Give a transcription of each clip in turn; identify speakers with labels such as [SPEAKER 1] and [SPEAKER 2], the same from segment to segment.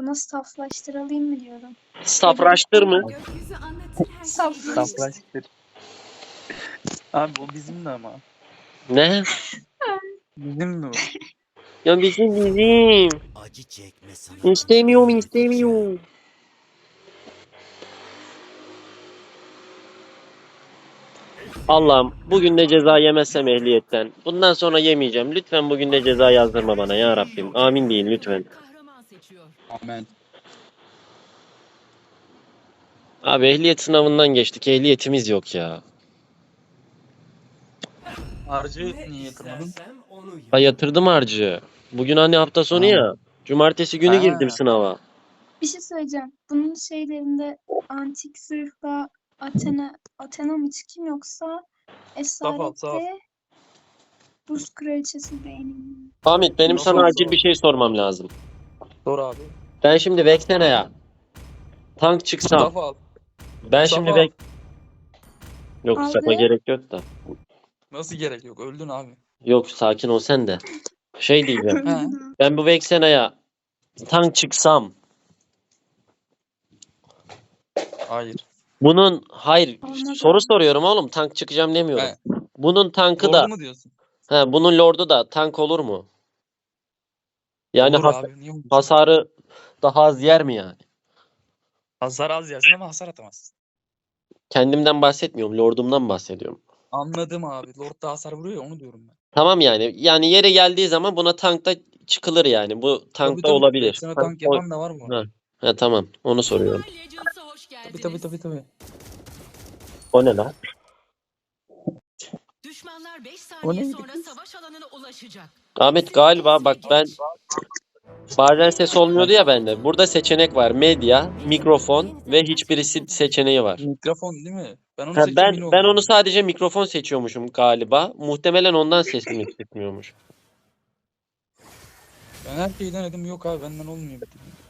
[SPEAKER 1] Buna saflaştıralım mı diyorum.
[SPEAKER 2] Safraştır mı?
[SPEAKER 3] Gökyüzü anlatır her şeyi.
[SPEAKER 1] Saflaştır.
[SPEAKER 4] Saflaştır. Abi o bizim de ama.
[SPEAKER 2] Ne?
[SPEAKER 4] Bizim de o.
[SPEAKER 2] Ya bizim.
[SPEAKER 5] Acı çekme sanatını
[SPEAKER 2] İstemiyorum
[SPEAKER 5] öğreteceğim.
[SPEAKER 2] istemiyorum. Allah'ım bugün de ceza yemezsem ehliyetten. Bundan sonra yemeyeceğim. Lütfen bugün de ceza yazdırma bana ya Rabbim. Amin deyin lütfen.
[SPEAKER 3] Kahraman seçiyor.
[SPEAKER 4] Amen.
[SPEAKER 2] Abi ehliyet sınavından geçtik. Ehliyetimiz yok ya.
[SPEAKER 4] Harcı niye yatırmadın?
[SPEAKER 2] Ha yatırdım harcı. Bugün hani hafta sonu ya. Cumartesi günü
[SPEAKER 4] Ha.
[SPEAKER 2] girdim sınava.
[SPEAKER 1] Bir şey söyleyeceğim. Bunun şeylerinde antik zırhla Athena mı çıkayım yoksa Esarette Buz Kraliçesi beğenilmiyor.
[SPEAKER 2] Ahmet benim
[SPEAKER 4] Nasıl
[SPEAKER 2] sana
[SPEAKER 4] oldu
[SPEAKER 2] acil
[SPEAKER 4] o?
[SPEAKER 2] bir şey sormam lazım.
[SPEAKER 4] Sor abi.
[SPEAKER 2] Ben şimdi Vexena'ya tank çıksam.
[SPEAKER 4] Mustafa al.
[SPEAKER 2] Ben
[SPEAKER 4] Mustafa
[SPEAKER 2] şimdi
[SPEAKER 4] al.
[SPEAKER 2] Yok
[SPEAKER 1] Aldı.
[SPEAKER 2] sana gerek yok da.
[SPEAKER 4] Nasıl gerek yok? Öldün abi.
[SPEAKER 2] Yok sakin ol sen de. Şey diyeceğim.
[SPEAKER 4] He.
[SPEAKER 2] Ben bu Vexena'ya tank çıksam.
[SPEAKER 4] Hayır.
[SPEAKER 2] Bunun hayır
[SPEAKER 1] Olmaz
[SPEAKER 2] soru
[SPEAKER 1] abi.
[SPEAKER 2] soruyorum oğlum tank çıkacağım demiyorum.
[SPEAKER 4] He.
[SPEAKER 2] Bunun tankı da
[SPEAKER 4] Doğru mu diyorsun?
[SPEAKER 2] bunun lordu da tank olur mu? Yani
[SPEAKER 4] Olur abi. Niye olmasın?
[SPEAKER 2] hasarı daha az yer mi yani?
[SPEAKER 4] Hasar az yersin ama hasar atamazsın.
[SPEAKER 2] Kendimden bahsetmiyorum, lordumdan bahsediyorum.
[SPEAKER 4] Anladım abi. Lord da hasar vuruyor ya onu diyorum ben.
[SPEAKER 2] Tamam yani. Yani yere geldiği zaman buna tankta çıkılır yani. Bu tankta
[SPEAKER 4] Tabii.
[SPEAKER 2] olabilir.
[SPEAKER 4] Sana tank yapan da var mı?
[SPEAKER 2] Tamam. Onu soruyorum.
[SPEAKER 3] Mobile Legends'a hoş geldiniz.
[SPEAKER 4] Tabii.
[SPEAKER 2] O ne lan?
[SPEAKER 3] Düşmanlar 5
[SPEAKER 4] O
[SPEAKER 3] saniye
[SPEAKER 4] neydi
[SPEAKER 3] sonra
[SPEAKER 4] kız?
[SPEAKER 3] savaş alanına ulaşacak.
[SPEAKER 2] Ahmet galiba bak ben bazen ses olmuyordu ya bende. Burada seçenek var. Medya, mikrofon ve hiçbirisi seçeneği var.
[SPEAKER 4] Mikrofon değil mi? Ben onu
[SPEAKER 2] Ha,
[SPEAKER 4] seçtim yine
[SPEAKER 2] ben
[SPEAKER 4] oldu.
[SPEAKER 2] onu sadece mikrofon seçiyormuşum galiba. Muhtemelen ondan sesimi çıkmıyormuş.
[SPEAKER 4] Ben her şeyi denedim. Yok abi benden olmuyor.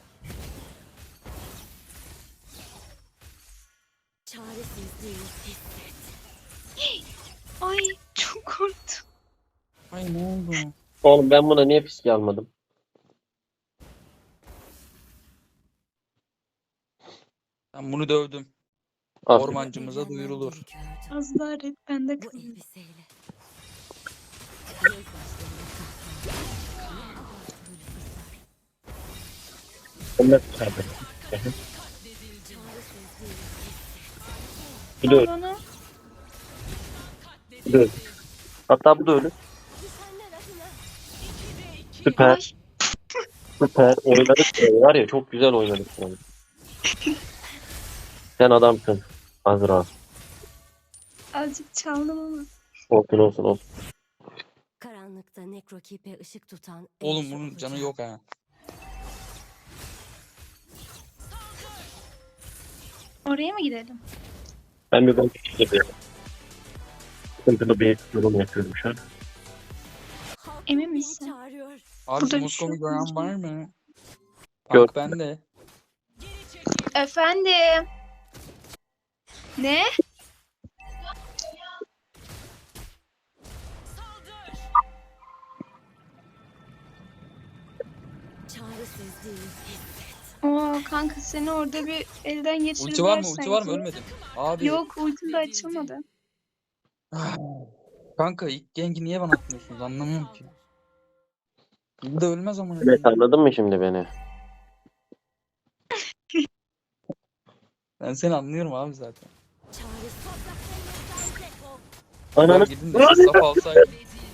[SPEAKER 6] Çaresizliği hisset.
[SPEAKER 1] Ay çok korktum.
[SPEAKER 4] Ay ne oldu?
[SPEAKER 2] Oğlum ben buna niye fiske almadım?
[SPEAKER 4] Ben bunu dövdüm.
[SPEAKER 2] Aferin.
[SPEAKER 4] Ormancımıza duyurulur.
[SPEAKER 1] Az daha red bende
[SPEAKER 6] Bu
[SPEAKER 1] kalın.
[SPEAKER 6] elbiseyle. Göz
[SPEAKER 2] Bu da
[SPEAKER 1] Al
[SPEAKER 2] öyle.
[SPEAKER 1] bana.
[SPEAKER 2] Bu da öyle. Hatta bu da öyle. Süper.
[SPEAKER 1] Ay.
[SPEAKER 2] Süper. Oynadık. Var ya çok güzel oynadık. Yani. Sen adamsın. Azra.
[SPEAKER 1] Azıcık çaldım ama.
[SPEAKER 2] Olsun.
[SPEAKER 6] Karanlıkta nekrokipe ışık tutan
[SPEAKER 4] Oğlum
[SPEAKER 6] eşi
[SPEAKER 4] bunun canı
[SPEAKER 6] olacak.
[SPEAKER 4] yok ha.
[SPEAKER 1] Oraya mı gidelim?
[SPEAKER 2] Ben bir balık yapıyorum. Sıkıntılı bir yorum yapıyorum şu an.
[SPEAKER 6] Halk
[SPEAKER 1] Emin
[SPEAKER 6] beni
[SPEAKER 1] misin?
[SPEAKER 6] çağırıyor.
[SPEAKER 4] Abi
[SPEAKER 1] Burada bir
[SPEAKER 4] Moskova'yı
[SPEAKER 1] şey yok.
[SPEAKER 4] gören var mı?
[SPEAKER 2] Gör.
[SPEAKER 4] Bak bende.
[SPEAKER 1] Efendim. Ne?
[SPEAKER 6] Çaresizliği hisset.
[SPEAKER 1] Oo kanka seni orada bir elden geçirdiler
[SPEAKER 4] Ulti var mı?
[SPEAKER 1] sanki.
[SPEAKER 4] Ulti var mı? Ölmedin. Abi.
[SPEAKER 1] Yok ultim de açılmadı.
[SPEAKER 4] Kanka ilk gengi niye bana atmıyorsunuz? Anlamıyorum ki. Bu da ölmez ama.
[SPEAKER 2] Evet anladın mı şimdi beni?
[SPEAKER 4] Ben seni anlıyorum abi zaten.
[SPEAKER 6] Çaresiz.
[SPEAKER 2] Ananı
[SPEAKER 4] Gidin de saf alsaydı.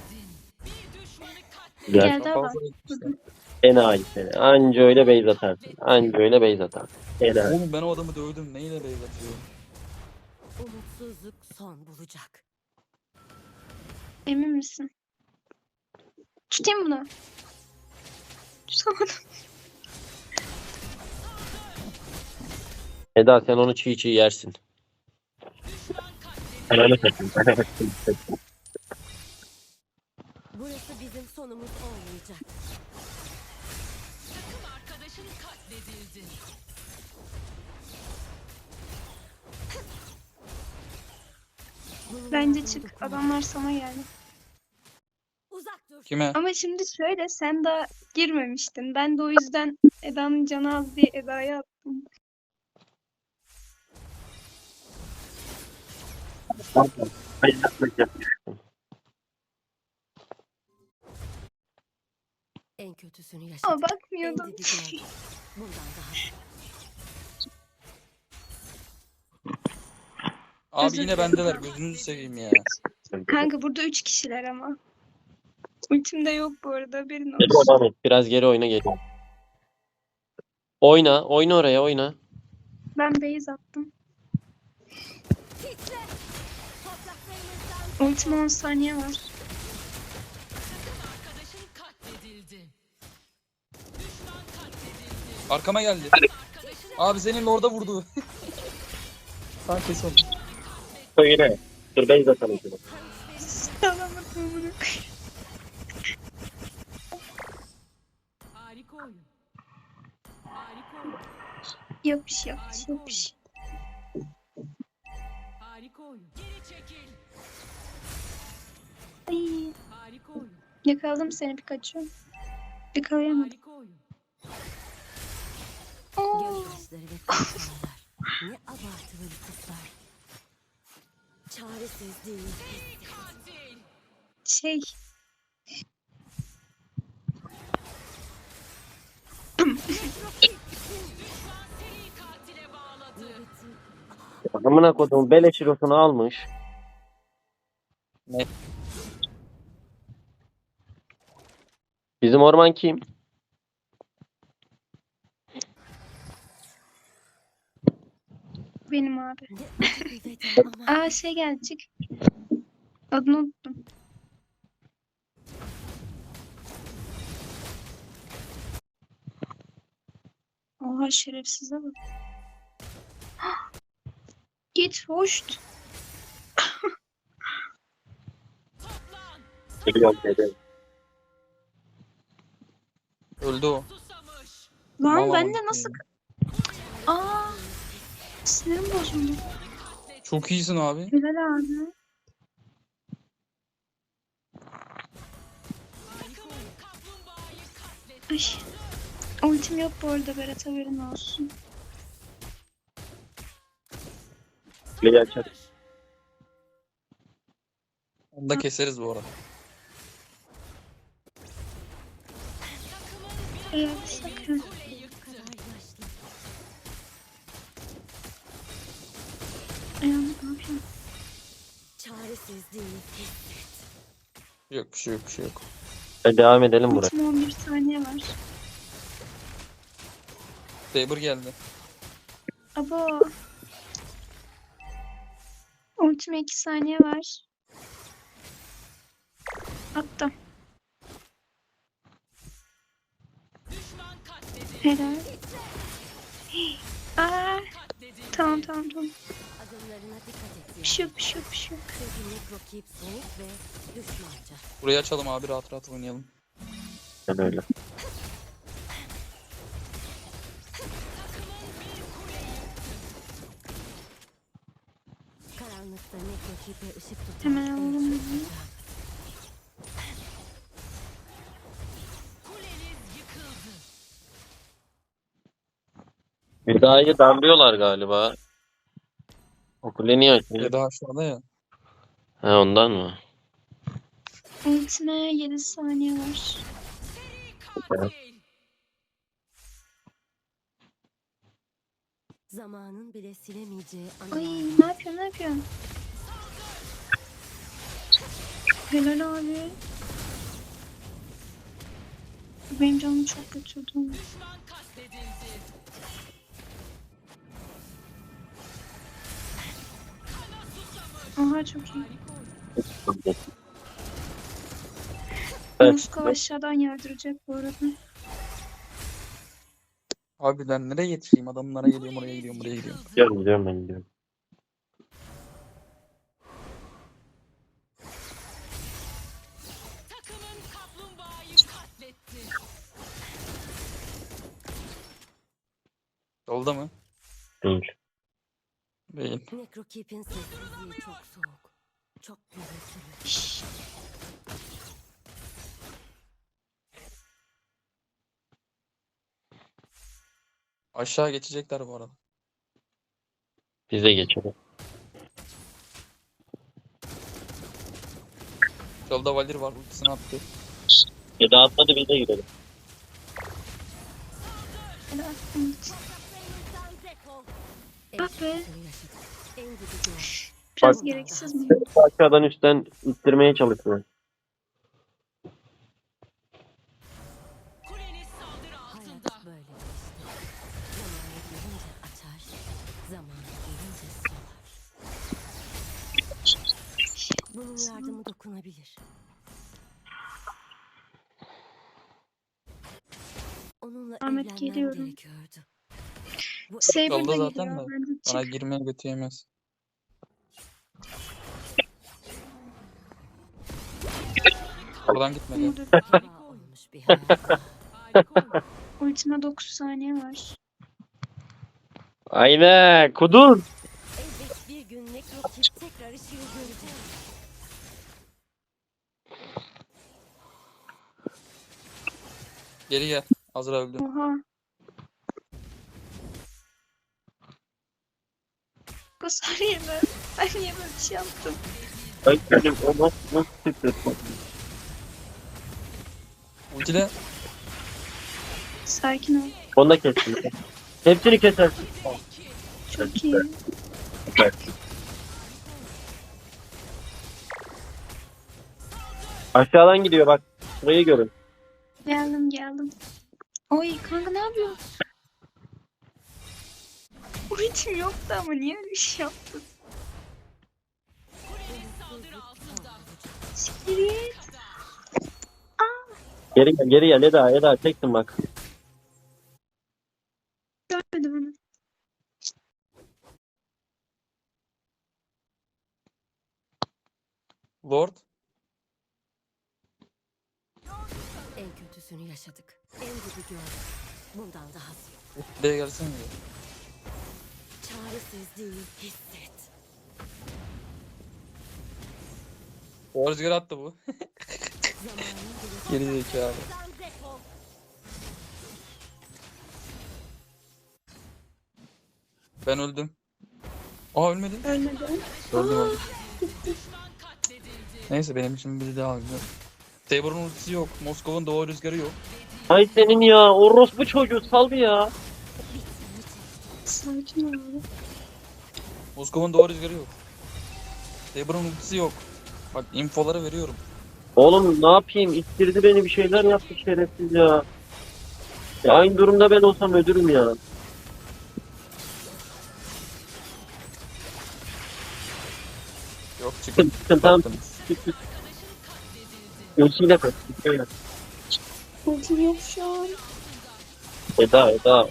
[SPEAKER 2] Gel.
[SPEAKER 1] Geldi
[SPEAKER 4] Saf
[SPEAKER 1] adam.
[SPEAKER 4] alsaydı işte.
[SPEAKER 2] Enayi seni. Anca öyle beyz atarsın. Anca öyle beyz atarsın. Enayi.
[SPEAKER 4] Oğlum ben o adamı dövdüm. Neyle beyz atıyor?
[SPEAKER 6] Umutsuzluk son bulacak.
[SPEAKER 1] Emin misin? Tutayım bunu. Tutamadım.
[SPEAKER 2] Eda sen onu çiğ çiğ yersin. Ananı satayım.
[SPEAKER 6] Burası bizim sonumuz olmayacak.
[SPEAKER 3] Takım arkadaşın katledildi.
[SPEAKER 1] Bence çık. Adamlar sana geldi.
[SPEAKER 6] Uzak dur.
[SPEAKER 4] Kime?
[SPEAKER 1] Ama şimdi şöyle sen daha girmemiştin. Ben de o yüzden Eda'nın canı az diye Eda'ya attım.
[SPEAKER 6] En kötüsünü
[SPEAKER 1] Ama
[SPEAKER 6] yaşadık. En
[SPEAKER 1] bakmıyordum.
[SPEAKER 6] dibi gördük. Bundan daha
[SPEAKER 4] Abi
[SPEAKER 1] Özür
[SPEAKER 4] yine
[SPEAKER 1] dilerim.
[SPEAKER 4] bendeler. Gözünüzü seveyim ya.
[SPEAKER 1] Kanka burada 3 kişiler ama. Ultim de yok bu arada haberin
[SPEAKER 2] Geri
[SPEAKER 1] olsun.
[SPEAKER 2] devam et. Biraz geri oyna geliyor. Oyna. Oyna oraya oyna.
[SPEAKER 1] Ben base attım. Ultim 10 saniye var.
[SPEAKER 3] Arkadaşın katledildi. Düşman katledildi.
[SPEAKER 4] Arkama geldi. Abi senin orada vurdu. Sen kes onu.
[SPEAKER 2] Söyle. Dur base atalım.
[SPEAKER 1] Alamadım bunu.
[SPEAKER 3] Harika oyun. Harika oyun.
[SPEAKER 1] Yok bir şey yok. Yok bir şey.
[SPEAKER 3] Harika oyun. Geri çekil.
[SPEAKER 1] Ay,
[SPEAKER 3] Harika oyun.
[SPEAKER 1] yakaladım seni Pikachu. Yakalayamadım.
[SPEAKER 3] Harika oyun.
[SPEAKER 1] Oo.
[SPEAKER 6] gözyaşları ve kahkahalar. Ne abartılı lütuflar. Çaresizliği.
[SPEAKER 3] Katil.
[SPEAKER 1] Şey.
[SPEAKER 3] Seri katile bağladı.
[SPEAKER 6] Nöbeti
[SPEAKER 2] Amına koduğum beleş hirosunu almış.
[SPEAKER 4] Ne?
[SPEAKER 2] Bizim orman kim?
[SPEAKER 1] Benim abi.
[SPEAKER 6] ne acı bir veda ama
[SPEAKER 1] Aa şey gelecek. Adını unuttum. Oha şerefsize bak. Git hoş.
[SPEAKER 3] Toplan.
[SPEAKER 2] Geliyorum dedi.
[SPEAKER 4] Öldü o.
[SPEAKER 3] Susamış.
[SPEAKER 1] Lan
[SPEAKER 4] Vallahi
[SPEAKER 1] ben de
[SPEAKER 4] bitti
[SPEAKER 1] nasıl...
[SPEAKER 4] ya.
[SPEAKER 1] Aa sinirim bozuldu.
[SPEAKER 4] Çok iyisin abi.
[SPEAKER 1] Helal abi.
[SPEAKER 3] Takımın kaplumbağayı katletti.
[SPEAKER 1] Ay. Ultim yok bu arada Berat haberin olsun.
[SPEAKER 2] Kuleyi açar.
[SPEAKER 4] Onu da keseriz bu arada.
[SPEAKER 1] Eğer sakın.
[SPEAKER 3] Kule yıktı.
[SPEAKER 6] yaşlı.
[SPEAKER 1] Ayağım ne yapayım?
[SPEAKER 6] Çaresizliği hisset.
[SPEAKER 4] Yok bir şey yok bir şey yok.
[SPEAKER 2] Hadi devam edelim buraya.
[SPEAKER 1] Ultim 11 saniye var.
[SPEAKER 4] Saber geldi.
[SPEAKER 1] Abo. Ultime 2 saniye var. Attım.
[SPEAKER 3] Düşman katledildi.
[SPEAKER 1] Helal. Aa,
[SPEAKER 3] Katledildi.
[SPEAKER 1] tamam.
[SPEAKER 6] Adımlarına dikkat et
[SPEAKER 1] Bir
[SPEAKER 6] ya.
[SPEAKER 1] şey yok, bir şey yok, bir şey yok.
[SPEAKER 6] Çünkü nekropip soğuk ve düşmanca.
[SPEAKER 4] Burayı açalım abi rahat rahat oynayalım.
[SPEAKER 2] Ben öyle.
[SPEAKER 6] Karanlıkta nekropipe ışık tutan
[SPEAKER 1] Hemen
[SPEAKER 6] en
[SPEAKER 1] alalım
[SPEAKER 6] çok
[SPEAKER 1] bunu.
[SPEAKER 6] sıcak.
[SPEAKER 3] Kuleniz yıkıldı.
[SPEAKER 2] Hüda'yı darlıyorlar galiba. O kule niye açıyor?
[SPEAKER 4] Ya da aşağıda ya.
[SPEAKER 2] Ha ondan mı?
[SPEAKER 1] Ultime 7 saniye var.
[SPEAKER 3] Katil.
[SPEAKER 6] Zamanın bile silemeyeceği
[SPEAKER 1] Ay
[SPEAKER 6] anılar.
[SPEAKER 1] ne yapıyorsun? Helal abi. Benim canım çok götürdü.
[SPEAKER 3] Düşman katledildi. Kana susamış.
[SPEAKER 1] Aha çok iyi.
[SPEAKER 3] Harika oyun.
[SPEAKER 2] Evet.
[SPEAKER 1] Moskova aşağıdan yardıracak bu arada.
[SPEAKER 4] Abi ben nereye yetişeyim? Adamlara geliyorum oraya gidiyorum buraya gidiyorum.
[SPEAKER 2] Gidiyorum ben gidiyorum.
[SPEAKER 3] Takımın kaplumbağayı katletti.
[SPEAKER 4] Yolda mı?
[SPEAKER 2] Değil.
[SPEAKER 4] Değil.
[SPEAKER 6] Nekrokipin sessizliği çok soğuk. Çok gürültülü.
[SPEAKER 1] Şşş.
[SPEAKER 4] Aşağı geçecekler bu arada.
[SPEAKER 2] Biz de geçelim.
[SPEAKER 4] Solda Valir var. Ultisini attı.
[SPEAKER 2] Ya da atmadı biz de gidelim.
[SPEAKER 1] Ben attım hiç. Ah be.
[SPEAKER 6] En dibi gör.
[SPEAKER 1] Biraz
[SPEAKER 2] Bak.
[SPEAKER 1] gereksiz mi?
[SPEAKER 2] Aşağıdan üstten ittirmeye çalışıyor.
[SPEAKER 3] Kuleniz saldırı altında.
[SPEAKER 6] Hayat böyle işte. Zamanı gelince açar, zamanı gelince solar. Bunun yardımı dokunabilir. Onunla
[SPEAKER 1] Ahmet,
[SPEAKER 6] evlenmem
[SPEAKER 1] geliyorum.
[SPEAKER 6] gerekiyordu. Bu
[SPEAKER 1] Saber
[SPEAKER 4] Yolda
[SPEAKER 1] da
[SPEAKER 4] zaten
[SPEAKER 1] geliyor.
[SPEAKER 4] de.
[SPEAKER 1] Ben de
[SPEAKER 4] Bana
[SPEAKER 1] çık.
[SPEAKER 4] girmeye götüremez. Oradan gitmedi.
[SPEAKER 6] heba olmuş bir hayat.
[SPEAKER 3] Harika oldu.
[SPEAKER 1] Ultima 9 saniye var.
[SPEAKER 2] Aynen. Kuduz.
[SPEAKER 6] Elbet bir gün nekrotik tekrar ışığı görecek.
[SPEAKER 4] Geri gel. Azra öldü.
[SPEAKER 1] Oha. Bu saniye ben niye böyle bir şey yaptım?
[SPEAKER 2] Ay benim o nasıl çıktı?
[SPEAKER 4] Ultile.
[SPEAKER 1] Sakin ol.
[SPEAKER 2] Onu da kestim. Hepsini kesersin.
[SPEAKER 1] Çok iyi.
[SPEAKER 2] Aşağıdan gidiyor bak. Burayı görün.
[SPEAKER 1] Geldim. Oy kanka ne yapıyorsun? Ultim yoktu ama niye öyle bir şey yaptın?
[SPEAKER 3] Kuleniz saldırı altında.
[SPEAKER 1] Siktir git.
[SPEAKER 2] Geri gel Eda çektim bak.
[SPEAKER 1] Görmedim onu.
[SPEAKER 4] Lord.
[SPEAKER 6] En kötüsünü yaşadık. En dibi gördük. Bundan dahası yok.
[SPEAKER 4] Buraya gelsene. diyor.
[SPEAKER 6] Çaresizliği hisset.
[SPEAKER 4] O rüzgar attı bu.
[SPEAKER 6] Zamanın
[SPEAKER 4] Geri zekalı.
[SPEAKER 6] defol.
[SPEAKER 4] Ben öldüm. Aa ölmedim.
[SPEAKER 1] Ölmedi.
[SPEAKER 4] Öldüm.
[SPEAKER 3] Düşman katledildi.
[SPEAKER 4] Neyse benim için biri daha öldü. Saber'ın ultisi yok. Moskova'nın doğu rüzgarı yok.
[SPEAKER 2] Ay senin ya. Orospu çocuğu sal bir ya.
[SPEAKER 1] Sakin ol abi.
[SPEAKER 4] Moskova'nın doğu rüzgarı yok. Saber'ın ultisi yok. Bak infoları veriyorum.
[SPEAKER 2] Oğlum ne yapayım? İttirdi beni bir şeyler yaptı şerefsiz ya. Ya aynı durumda ben olsam öldürürüm ya.
[SPEAKER 4] Yok çıkın.
[SPEAKER 2] Çıkın tamam.
[SPEAKER 4] Baktınız.
[SPEAKER 2] Çık. Ölçüyle kaç. Şöyle.
[SPEAKER 1] Ultim yok şu an.
[SPEAKER 2] Eda.
[SPEAKER 3] Anladı.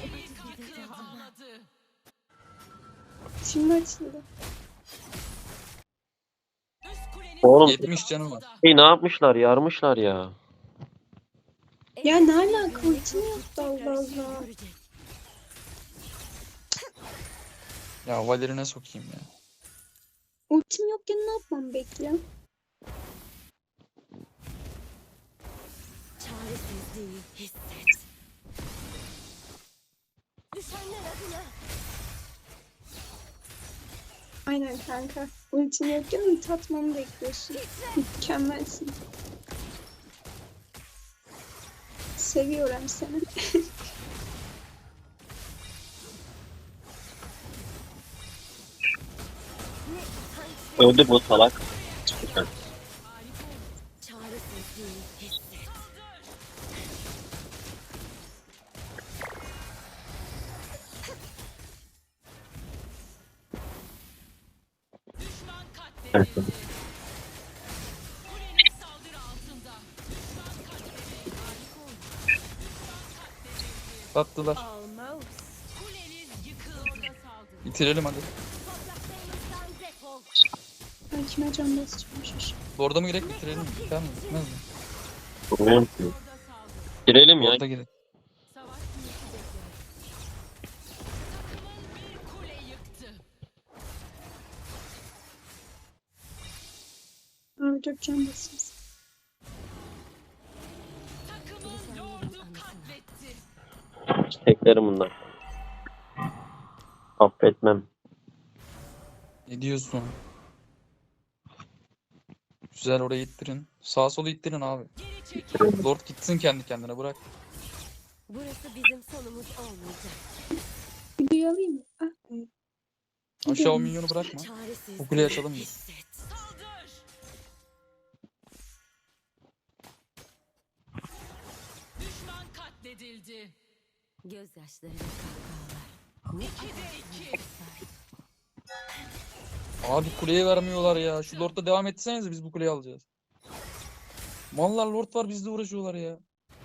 [SPEAKER 1] Şimdi açıldı.
[SPEAKER 3] Üst kuleniz
[SPEAKER 2] Oğlum
[SPEAKER 4] 70 canım var.
[SPEAKER 2] ne yapmışlar? Yarmışlar ya.
[SPEAKER 1] Ya ne alaka, ultim yoktu Allah Allah.
[SPEAKER 4] Ya Valir'ine sokayım ya.
[SPEAKER 1] Ultim yokken ne yapmam bekle.
[SPEAKER 6] Çaresizliği hisset. Düşenler adına.
[SPEAKER 1] Aynen kanka. Ultim yokken ulti atmamı bekliyorsun. Mükemmelsin. Seviyorum seni.
[SPEAKER 2] Öldü bu salak.
[SPEAKER 6] Çaresizliği hisset.
[SPEAKER 3] düşman katledildi. Kuleniz saldırı altında. Düşman katledildi. Harika oldu. Düşman katledildi.
[SPEAKER 4] Sattılar.
[SPEAKER 3] Almost. Kuleniz yıkıldı. Orada saldırı.
[SPEAKER 4] Bitirelim hadi.
[SPEAKER 6] Topraklarımızdan defol.
[SPEAKER 1] Ben kime can basacağım şaşırdım.
[SPEAKER 4] Lord'a mı gerek bitirelim mi? Biter mi? Bitmez mi?
[SPEAKER 2] Bilmiyorum ki.
[SPEAKER 3] Orada saldırı.
[SPEAKER 2] Girelim ya.
[SPEAKER 4] Lord'a girelim.
[SPEAKER 3] Savaş niyeti bekler. Takımın bir kule yıktı.
[SPEAKER 1] Abi 4 can basayım.
[SPEAKER 3] Takımın lordu katletti.
[SPEAKER 2] Teklerim bunlar. Affetmem.
[SPEAKER 4] Ne diyorsun? Güzel, oraya ittirin. Sağa sola ittirin abi.
[SPEAKER 3] Geri çekil.
[SPEAKER 4] Lord gitsin kendi kendine, bırak.
[SPEAKER 6] Burası bizim sonumuz olmayacak.
[SPEAKER 1] Videoyu alayım mı? Ah,
[SPEAKER 4] Aşağı o minyonu bırakma.
[SPEAKER 6] Çaresiz.
[SPEAKER 4] Bu kuleyi açalım biz.
[SPEAKER 6] Hisset.
[SPEAKER 3] Saldır. Düşman katledildi.
[SPEAKER 6] Gözyaşları ve kahkahalar. Ne
[SPEAKER 3] 2'de 2.
[SPEAKER 4] Abi kuleye vermiyorlar ya. Şu Lord'la devam etsenize, biz bu kuleyi alacağız. Mallar Lord var, bizle uğraşıyorlar ya.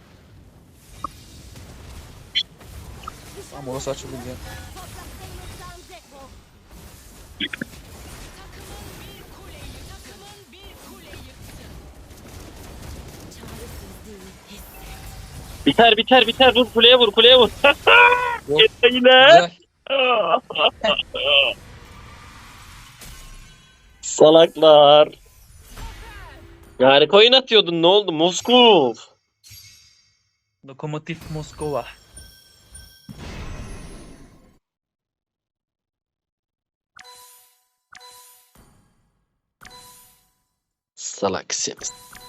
[SPEAKER 4] Tamam, orası açıldı ya.
[SPEAKER 3] Takımın bir kule yıktı.
[SPEAKER 6] Çaresizliği hisset.
[SPEAKER 2] Biter. Vur kuleye vur.
[SPEAKER 4] Yok.
[SPEAKER 2] Yine.
[SPEAKER 4] Güzel.
[SPEAKER 2] Salaklar. Yani coin atıyordun, ne oldu? Moskov.
[SPEAKER 4] Lokomotiv Moskova.
[SPEAKER 2] Salak seni.